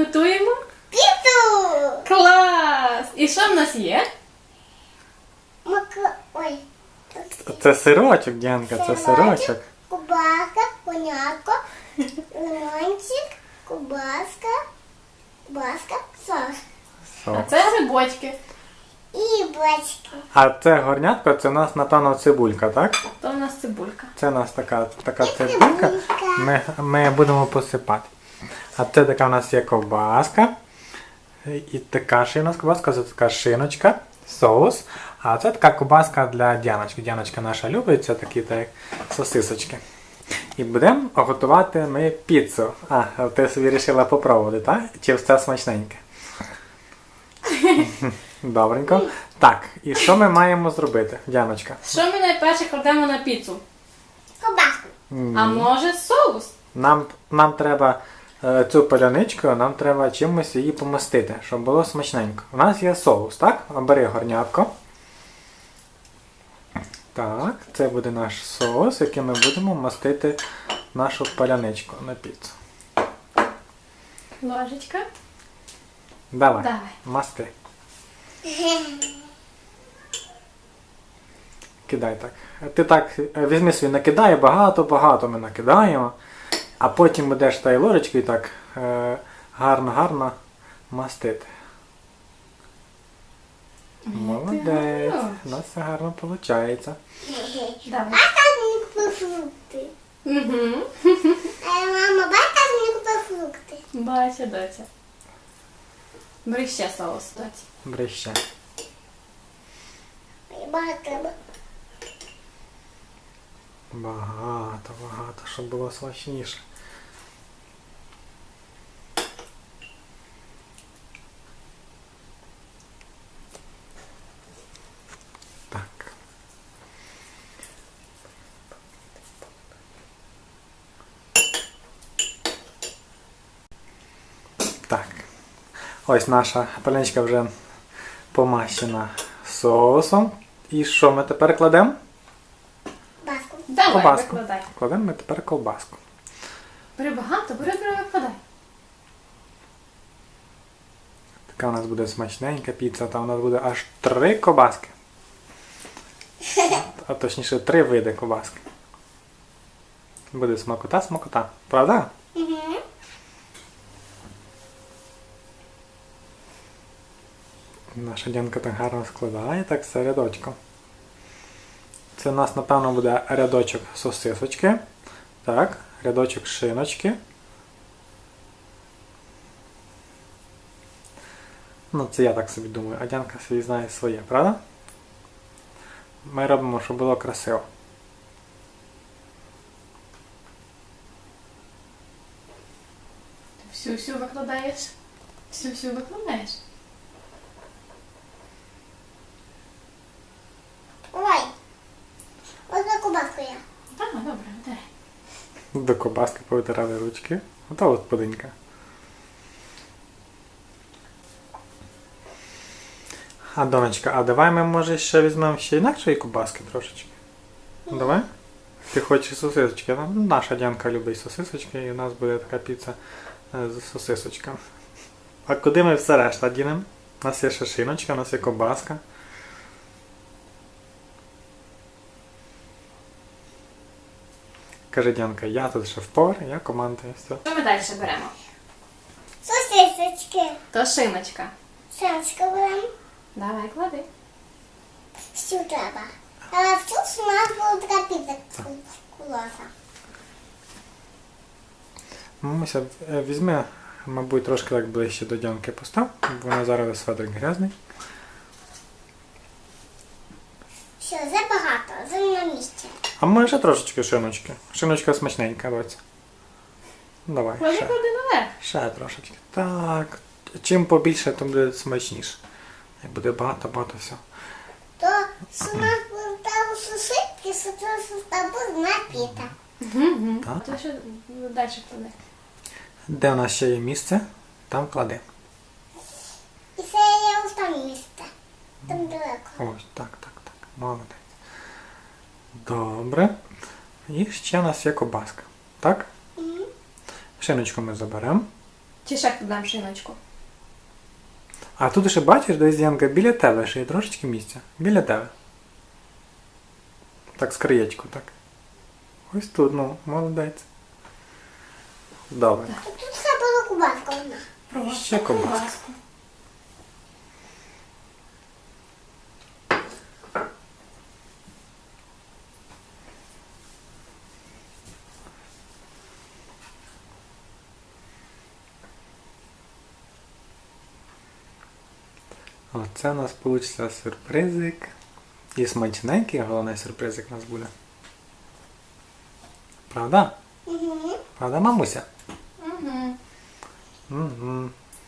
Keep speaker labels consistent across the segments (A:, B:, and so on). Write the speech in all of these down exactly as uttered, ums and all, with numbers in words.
A: готуємо?
B: Піцу!
A: Клас! І що в нас є?
B: Мак... Ой.
C: Це сирочок, Діанка, це сирочок.
B: Кубаска, конятко, лимончик, кубаска, кубаска, сос.
A: А
C: Со.
A: це грибочки.
B: І бочки.
C: А це горнятко, це у нас, напевно, цибулька, так?
A: То в нас цибулька.
C: Це у нас така, така цибулька. Ми, ми будемо посипати. А це така у нас є ковбаска. І така ще у нас ковбаска, це така шиночка, соус. А це така ковбаска для Діаночки. Діаночка наша любить, це такі так, як сосисочки. І будемо готувати ми піцу. А, ти собі вирішила попробувати, так? Чи все смачненьке? Добренько. Так, і що ми маємо зробити, Діаночка?
A: Що ми найперше кладемо на піцу?
B: Кубаску.
A: А може соус?
C: Нам, нам треба е, цю паляничку, нам треба чимось її помастити, щоб було смачненько. У нас є соус, так? Бери горнятко. Так, це буде наш соус, яким ми будемо мастити нашу паляничку на піцу.
A: Ложечка.
C: Давай,
A: Давай.
C: масти. Кидай так. Ти так е, візьми свій, накидай багато-багато ми накидаємо, а потім будеш та й ложечкою так е, гарно-гарно мастити. Молодець, у нас все гарно виходить.
A: Давай.
B: Бата мені купив фрукти.
A: Угу.
B: Е, Мама, бата мені купив фрукти.
A: Бачу, доця. Бери ще соус, доці.
C: Бери ще.
B: Мені багато треба.
C: Багато, багато, щоб було смачніше. Так. Так. Ось наша паляничка вже помащена соусом. І що ми тепер кладемо?
B: Баску.
A: Давай,
C: Ковбаску.
A: викладай.
C: Кладемо ми тепер ковбаску.
A: Бери багато, бери, бери, викладай.
C: Така у нас буде смачненька піца, та у нас буде аж три ковбаски. А точніше три види ковбаски. Буде смакота-смакота. Правда?
B: Угу.
C: Наша Дянка так гарно складає, так все рядочком. Це у нас, напевно, буде рядочок сосисочки. Так, рядочок шиночки. Ну, це я так собі думаю, а Дянка собі знає своє, правда? Ми робимо, щоб було красиво.
A: Всю-всю викладаєш? Всю-всю викладаєш?
B: Ой. Одна кубаску я.
A: Так, добре, витирай.
C: До ковбаски повитирали ручки. Ото господинька. А, донечка, а давай ми, може, ще візьмемо ще інакшої ковбаски трошечки. Давай? Ти хочеш сосисочки? Ну, наша Дянка любить сосисочки, і у нас буде така піца е, з сосисочками. А куди ми все решта дінемо? У нас є ще шиночка, у нас є ковбаска. Каже Дянка, я тут шеф-повар, я командую. Все.
A: Що ми далі беремо?
B: Сосисочки.
A: То шиночка.
B: Сеночка беремо.
A: Давай, клади.
B: Всю треба. Але всю у нас буде така піца кулоса.
C: Мамуся, е, візьми, мабуть, трошки так ближче до Дянки постав, бо вона зараз свадрик грязний.
B: Все, забагато, за на місці.
C: А може ще трошечки шиночки. Шиночка смачненька, доця. Давай,
A: Клади,
C: ще.
A: клади наверх.
C: Ще трошечки. Так. Чим побільше, тим буде смачніше. Як буде багато-багато все.
B: То що у нас буде там сушитки, що це буде напіта.
A: Угу.
C: Так.
A: То що далі клади?
C: Де у нас ще є місце, там клади.
B: І це є ось там місце. Там далеко.
C: Ось, так, так, так. Молодець. Добре. І ще у нас є ковбаска. Так?
B: Мгм.
C: Шиночку ми заберемо.
A: Чи ще додам шиночку?
C: А тут ще бачиш, десь Янка, біля тебе ще є трошечки місця. Біля тебе. Так, з краєчку, так. Ось тут, ну, молодець. Добре.
B: Тут треба кубаска одна.
A: Просто
C: Ще ковбаску.
A: ковбаску.
C: Оце у нас вийде сюрпризик. І смачненький, головний сюрпризик у нас буде. Правда?
B: Угу.
C: Правда, мамуся?
A: Угу.
C: Угу.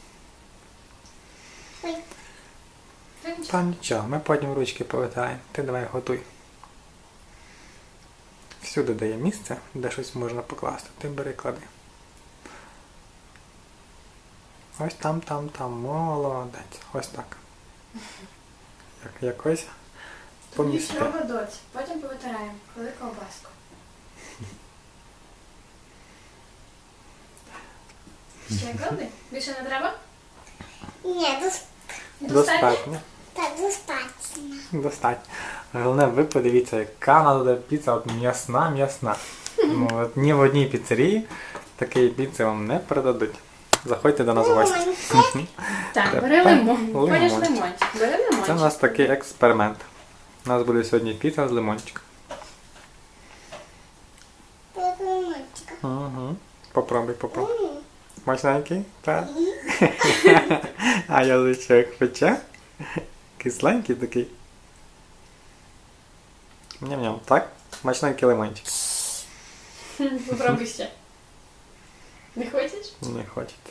B: Ой.
C: Та нічого, ми потім ручки повитаємо. Ти давай готуй. Всюди дає місце, де щось можна покласти. Ти бери, клади. Ось там, там, там. Молодець. Ось так. Як, якось помісти.
A: Нічого, доць. Потім повитираємо. Коли ковбаску. Ще клади? Більше не треба?
B: Ні, дос...
C: Достатньо.
B: так, достатньо.
C: Достатньо. Головне, ви подивіться, яка вона буде піца, от м'ясна, м'ясна. Ну, от ні в одній піцерії такої піци вам не передадуть. Заходьте до нас в гості.
B: Лимончик.
A: Так,
C: Тепер
A: бери лимон.
C: лимончик.
A: Ходиш лимончик. Бери лимончик.
C: Це у нас такий експеримент. У нас буде сьогодні піца з лимончиком.
B: Тут лимончика.
C: Угу. Попробуй, попробуй.
B: М.
C: Смачненький? Так. А язичок пече. Кисленький такий. Ням-ням, так? Смачненький лимончик.
A: Попробуй ще. Не хочеш?
C: Не хочете.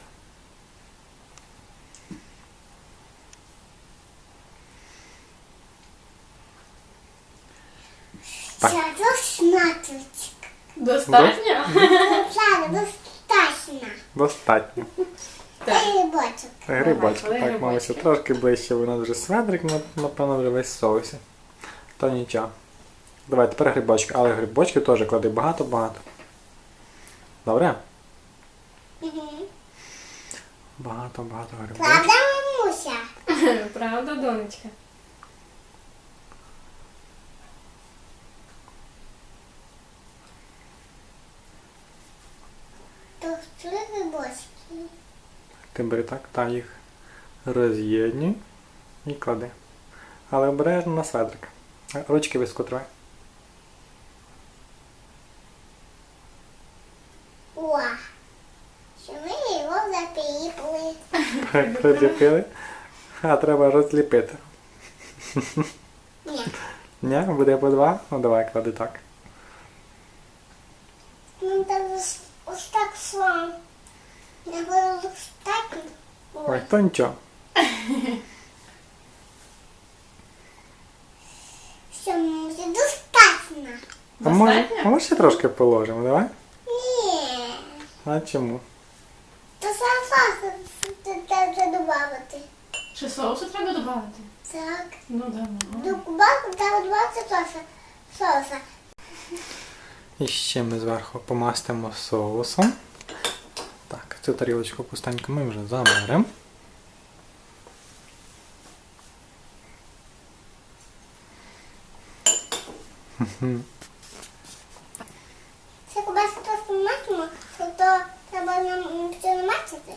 C: Так.
B: Все, достатньо.
A: Достатньо?
B: Все, достатньо.
C: Достатньо.
A: Так.
B: Ей, бочок.
C: Грибочки.
A: Давай,
C: Так, мамуся,
A: грибочки.
C: трошки ближче, бо у нас вже сведрик, напевно, вже весь в соусі. Та нічого. Давай, тепер грибочки. Але грибочки теж клади багато-багато. Добре?
B: Угу.
C: Багато-багато грибочків.
B: Правда, мамуся?
A: Правда, донечка?
B: Тут три грибочки.
C: Ти бери так, та їх роз'єднюй і клади. Але обережно на сведрик. Ручки вискотривай.
B: О, що ми його запіпли.
C: Приліпили. А треба розліпити.
B: Ні.
C: Ні, буде по два? Ну давай, клади так.
B: Ну, так ось, ось так сам. Я буду ось так.
C: Ой,
B: Ой.
C: то нічого.
B: Що, мамуся, достатньо.
C: А може,
A: Достатньо?
C: може ще трошки положимо, давай?
B: Ні.
C: А чому?
B: То сам треба додати.
A: Ще соусу треба додати?
B: Так.
A: Ну, давай.
B: До кубаску треба додати соуса. Соуса.
C: І ще ми зверху помастимо соусом. Так, цю тарілочку пустеньку ми вже заберемо.
B: Це кубаску трохи мачимо, то треба нам це намачити.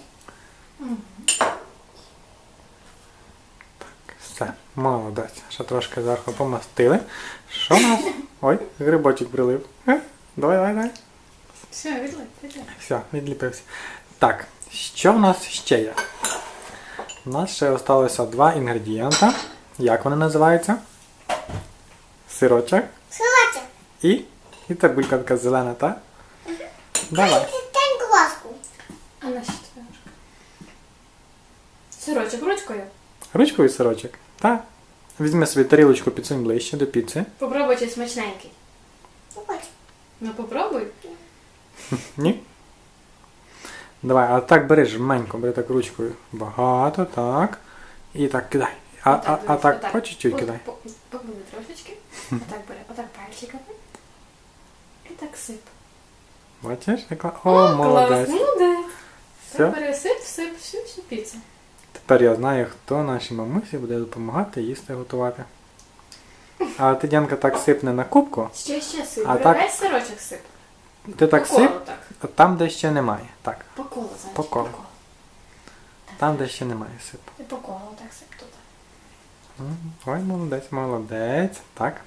C: Все, молодець. Ще трошки зверху помастили. Що у нас? Ой, грибочок прилив. Е, Давай, давай, давай.
A: Все, відлип, відлип.
C: Все, відліпився. Так, що в нас ще є? У нас ще залишилося два інгредієнта. Як вони називаються? Сирочок
B: Силачок.
C: і, і цибулька така зелена, так? Давай.
B: Тень кубаску.
A: А на що твоя ручка? Сирочок ручкою.
C: Ручковий сирочок. Так. Візьми собі тарілочку, підсунь ближче до піци.
A: Попробуй чи смачненький.
B: Ну, хоч.
A: Ну попробуй.
C: Ні? Давай, а так бери жменько, бери так ручкою. Багато, так. І так кидай. А, а, а
A: дивись,
C: так
A: отак.
C: по чуть-чуть
A: От,
C: кидай.
A: по- Поклади трошечки. Отак бери, отак пальчиками. І так сип.
C: Бачиш? Яка? О, молодець.
A: Клас, молодець.
C: Все.
A: Пересип, всип всю всю піцу.
C: Тепер я знаю, хто нашій мамусі буде допомагати їсти готувати. А ти, Дянка, так сипне на кубку,
A: Ще ще сип.
C: А
A: Бери
C: так-
A: весь сирочок сип.
C: ти так
A: По колу
C: сип,
A: так.
C: а там, де ще немає. Так,
A: По колу, зайчик.
C: По колу. там, де ще немає сипу.
A: І по колу так сип тут.
C: М, Ой, молодець, молодець. Так.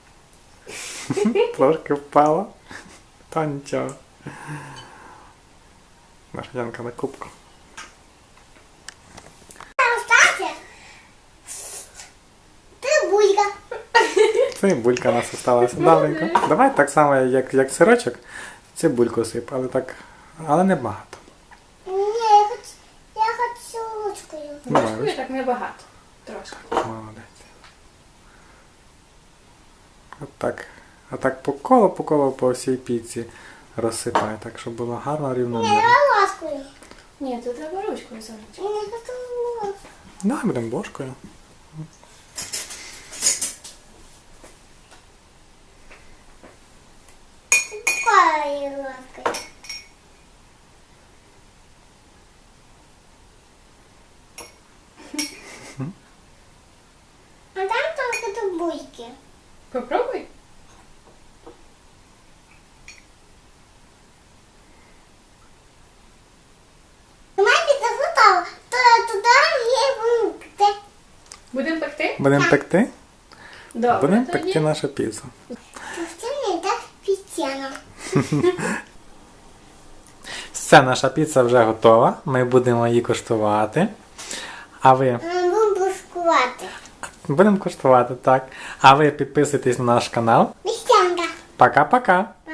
C: Трошки впало. Та нічого. Наша Янка на кубку.
B: Остаться. Ты булька.
C: Цибулька у нас осталася. Добренько. Давай так само, як, як сирочок, цибульку сип, але так, але не багато.
B: Не, я хочу, я хочу ручкою.
C: Давай,
A: Ложкою так небагато. Трошки.
C: Молодець. Отак. А так по колу, по колу по всій піці розсипай, так, щоб було гарно
B: Не,
C: рівномірно.
B: давай ложкою.
A: Ні, тут треба ручкою зайчик.
B: Не хочу ложкою.
C: Давай будемо ложкою.
B: Какой ложкой? А там только тут бульки.
A: Попробуй.
B: Мамі запитала, то я туди є бульки.
A: Будемо пекти?
C: Будемо пекти?
A: Добре,
C: Будемо
A: тоді.
C: пекти нашу піцу.
B: Пусти мені так пітяно.
C: Все, наша піца вже готова. Ми будемо її коштувати. А ви
B: Будемо бушкувати.
C: будемо коштувати, так. А ви підписуйтесь на наш канал.
B: Містянка.
C: Пока-пока!